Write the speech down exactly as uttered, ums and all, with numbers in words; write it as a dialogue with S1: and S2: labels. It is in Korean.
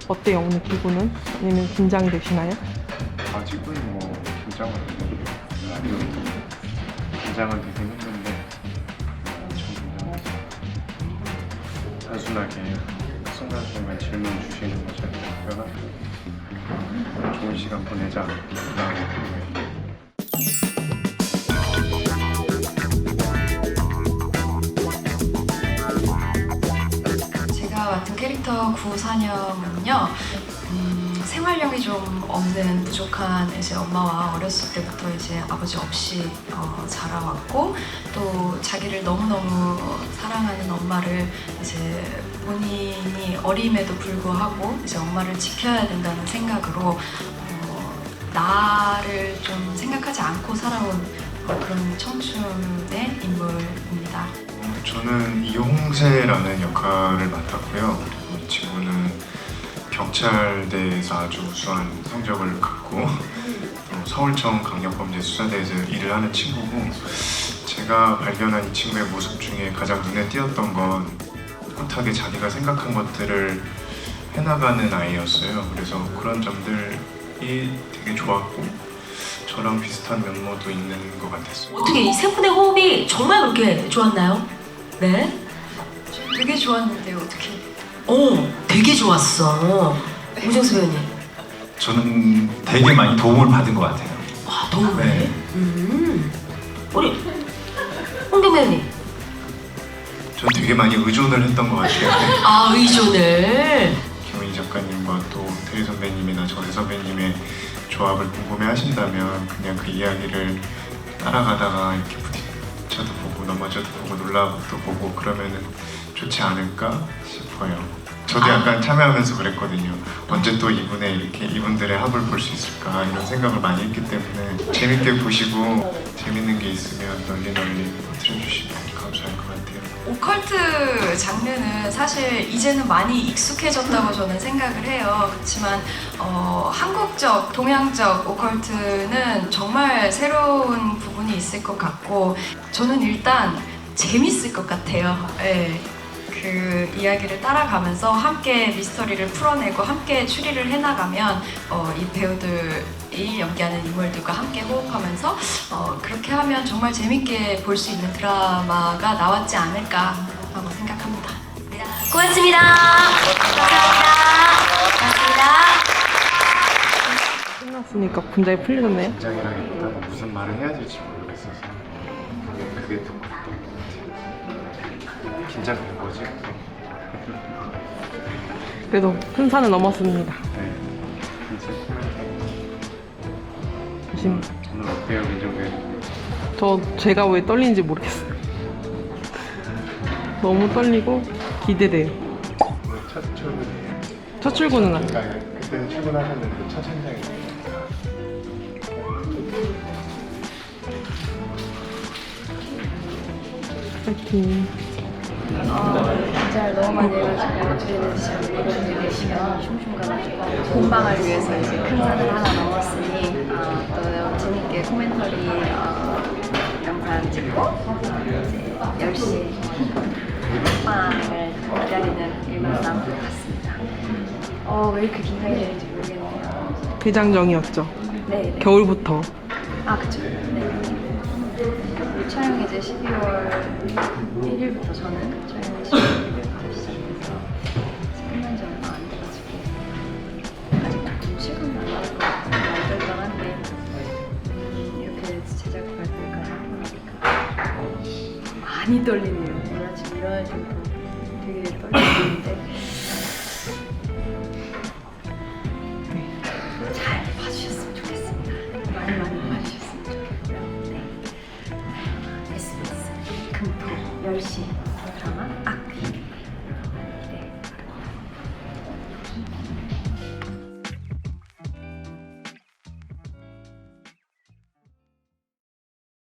S1: 어때요, 오늘 기분은? 아니면 긴장이 되시나요?
S2: 아직은 뭐 긴장은 되는 라디오 긴장은 되긴 했는데 엄청 긴장했어요. 단순하게 그 순간순간 질문 주시는 거 잘 답변하고 좋은 시간 보내자 라고
S3: 제가 맡은 캐릭터 구사녀는요, 음, 생활력이 좀 없는 부족한 이제 엄마와 어렸을 때부터 이제 아버지 없이 어, 자라왔고, 또 자기를 너무너무 사랑하는 엄마를 이제 본인이 어림에도 불구하고 이제 엄마를 지켜야 된다는 생각으로 어, 나를 좀 생각하지 않고 살아온 어, 그런 청춘의 인물입니다.
S2: 저는 이홍세라는 역할을 맡았고요. 이 친구는 경찰대에서 아주 우수한 성적을 갖고 또 서울청 강력범죄수사대에서 일을 하는 친구고, 제가 발견한 이 친구의 모습 중에 가장 눈에 띄었던 건 꿋꿋하게 자기가 생각한 것들을 해나가는 아이였어요. 그래서 그런 점들이 되게 좋았고 저랑 비슷한 면모도 있는 것 같았어요.
S4: 어떻게 이 세 분의 호흡이 정말 그렇게 좋았나요? 네?
S3: 되게 좋았는데 어떻게?
S4: 어, 되게 좋았어. 우정수 배우님.
S5: 저는 되게 많이 도움을 받은 것 같아요.
S4: 와, 도움을.
S5: 네.
S4: 음. 우리 홍경 배우님.
S2: 전 되게 많이 의존을 했던 것 같아요.
S4: 아, 의존을.
S2: 김은희 작가님과 또 태희 선배님이나 정혜 선배님의 조합을 궁금해 하신다면 그냥 그 이야기를 따라가다가 이렇게 부딪혀도 보고 넘어져도 보고 놀라도 보고 그러면은 좋지 않을까 싶어요. 저도 약간 참여하면서 그랬거든요. 언제 또 이분의 이렇게 이분들의 합을 볼 수 있을까 이런 생각을 많이 했기 때문에 재밌게 보시고 재밌는 게 있으면 널리 널리 퍼뜨려주시면 감사할 것 같아요.
S3: 오컬트 장르는 사실 이제는 많이 익숙해졌다고 저는 생각을 해요. 그렇지만 어, 한국적, 동양적 오컬트는 정말 새로운 부분이 있을 것 같고, 저는 일단 재밌을 것 같아요. 네. 그 이야기를 따라가면서 함께 미스터리를 풀어내고 함께 추리를 해나가면 어, 이 배우들이 연기하는 인물들과 함께 호흡하면서 어, 그렇게 하면 정말 재밌게 볼 수 있는 드라마가 나왔지 않을까 하고 생각합니다.
S4: 고맙습니다. 감사합니다. 고맙습니다.
S1: 끝났으니까 분장이 풀리셨나요?
S2: 긴장이라기보다는 무슨 말을 해야 될지 모르겠어서 그게 더 긴장된 거지.
S1: 그래도 큰 산을 넘었습니다.
S2: 네. 이제
S1: 조심.
S2: 오늘 어때요, 민정배?
S1: 저 제가 왜 떨리는지 모르겠어요. 너무 떨리고 기대돼요.
S2: 오늘 첫 출근이에요.
S1: 첫 출근은 아니에요.
S2: 그러니까 그때는 출근하셨는데 첫 현장이에요.
S1: 파이팅.
S6: 어, 문자를 너무 많이 해가지고 어떻게 되는지 잘 모르겠는데 계시면 슝슝가가지고 본방을 위해서 이제 큰 산을 하나 넘었으니 어, 또 재밌게 코멘터리 어, 영상 찍고 이제 열 시 본방을 기다리는 일만 같습니다. 어, 왜 이렇게 긴장이 되는지 모르겠네요.
S1: 대장정이었죠.
S6: 네, 네.
S1: 겨울부터.
S6: 아, 그쵸. 네. 촬영 이제 십이월 일일부터 저는 촬영을 십이월 일일부터 시작해서 끝난 지 얼마 안 돼가지고 아직 좀 실감이 안 나는 것 같고 많이 떨떠한데 이렇게 제작 발표까지 하고 나니까 많이 떨리네요. 오늘 아침 일어나지고 되게 떨리는데 잘 봐주셨으면 좋겠습니다. 많이 많이 봐주셨으면 좋겠고요. 네. 에스비에스 금토 열 시